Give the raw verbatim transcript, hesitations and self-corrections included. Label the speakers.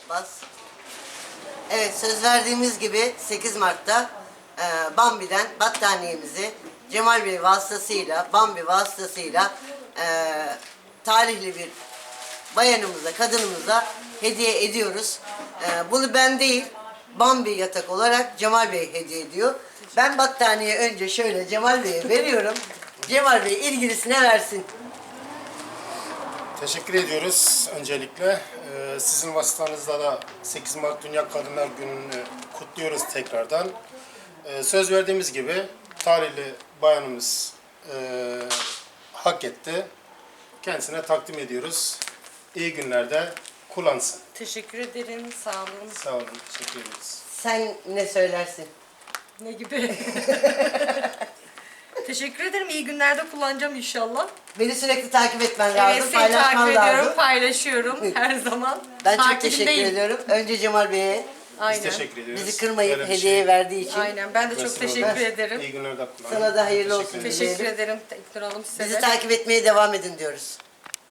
Speaker 1: Bas. Evet, söz verdiğimiz gibi sekiz Mart'ta e, Bambi'den battaniyemizi Cemal Bey vasıtasıyla, Bambi vasıtasıyla e, talihli bir bayanımıza, kadınımıza hediye ediyoruz. E, bunu ben değil, Bambi yatak olarak Cemal Bey hediye ediyor. Ben battaniye önce şöyle Cemal Bey'e veriyorum. Cemal Bey ilgilisine versin.
Speaker 2: Teşekkür ediyoruz öncelikle. Ee, sizin vasıtanızda da sekiz Mart Dünya Kadınlar Günü'nü kutluyoruz tekrardan. Ee, söz verdiğimiz gibi talihli bayanımız e, hak etti. Kendisine takdim ediyoruz. İyi günlerde kullansın.
Speaker 3: Teşekkür ederim. Sağ olun.
Speaker 2: Sağ olun. Teşekkür ederiz.
Speaker 1: Sen ne söylersin?
Speaker 3: Ne gibi? Teşekkür ederim. İyi günlerde kullanacağım inşallah.
Speaker 1: Beni sürekli takip etmen lazım,
Speaker 3: Evet, seni
Speaker 1: paylaşman
Speaker 3: takip ediyorum,
Speaker 1: lazım.
Speaker 3: paylaşıyorum her zaman.
Speaker 1: Ben çok
Speaker 3: Takibindeyim.
Speaker 1: teşekkür ediyorum. Önce Cemal Bey'e
Speaker 3: Aynen.
Speaker 2: Biz teşekkür ediyoruz.
Speaker 1: bizi kırmayıp
Speaker 2: Böyle bir
Speaker 1: hediye
Speaker 2: şey
Speaker 1: verdiği için.
Speaker 3: Aynen. Ben de çok
Speaker 2: vesile
Speaker 3: teşekkür
Speaker 2: oldu.
Speaker 3: ederim.
Speaker 2: İyi günlerde kullanın.
Speaker 1: Sana da hayırlı
Speaker 2: Teşekkür
Speaker 1: olsun.
Speaker 2: ederim.
Speaker 3: Teşekkür
Speaker 1: dileyelim.
Speaker 3: ederim İknur Hanım size
Speaker 1: Bizi
Speaker 3: de.
Speaker 1: takip etmeye devam edin diyoruz.